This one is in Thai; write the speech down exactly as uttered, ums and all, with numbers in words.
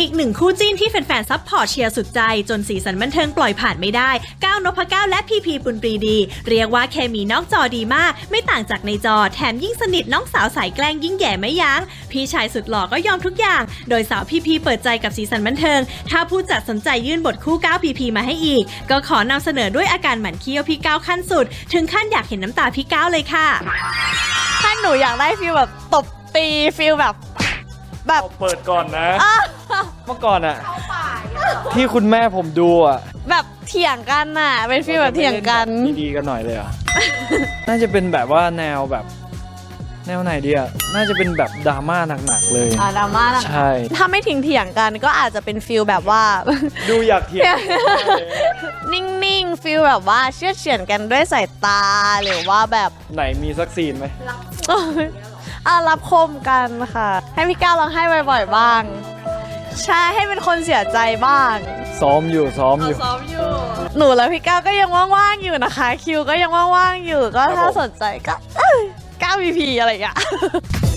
อีกหนึ่งคู่จิ้นที่แฟนๆซัพพอร์ตเชียร์สุดใจจนสีสันบันเทิงปล่อยผ่านไม่ได้ก้าวนพเก้าและพีพีปุณปรีดีเรียกว่าเคมีนอกจอดีมากไม่ต่างจากในจอแถมยิ่งสนิทน้องสาวสายแกล้งยิ่งแย่ไม่ยั้งพี่ชายสุดหล่อก็ยอมทุกอย่างโดยสาวพีพีเปิดใจกับสีสันบันเทิงถ้าผู้จัดสนใจยื่นบทคู่ก้าวพีพีมาให้อีกก็ขอนำเสนอด้วยอาการหมั่นเคี้ยวพี่ก้าวขั้นสุดถึงขั้นอยากเห็นน้ำตาพี่ก้าวเลยค่ะถ้าหนูอยากได้ฟีลแบบตบตีฟีลแบบแบบเปิดก่อนนะเมื่อก่อนอะที่คุณแม่ผมดูอะแบบเถียงกันน่ะเป็นฟีลแบบเถียงกันดีๆกันหน่อยเลยอะ น่าจะเป็นแบบว่าแนวแบบแนวไหนดีอะน่าจะเป็นแบบดราม่าหนักๆเลยอ่าดราม่าหนักใช่ถ้าไม่ทิ้งเถียงกันก็อาจจะเป็นฟีลแบบว่าดูอยากเถียงนิ่งๆฟีลแบบว่าเชื่อเฉือนกันด้วยสายตาหรือว่าแบบไหนมีสักซีนไหมอ่ะรับคมกันค่ะให้พี่ก้าวลองให้บ่อยๆบ้างใช่ให้เป็นคนเสียใจบ้างซ้อมอยู่ซ้อมอยู่ซ้อมอยู่หนูและพี่ก้าวก็ยังว่างๆอยู่นะคะคิวก็ยังว่างๆอยู่ก็ถ้าสนใจก็ก้าว พี พี อะไรอย่างเงี้ย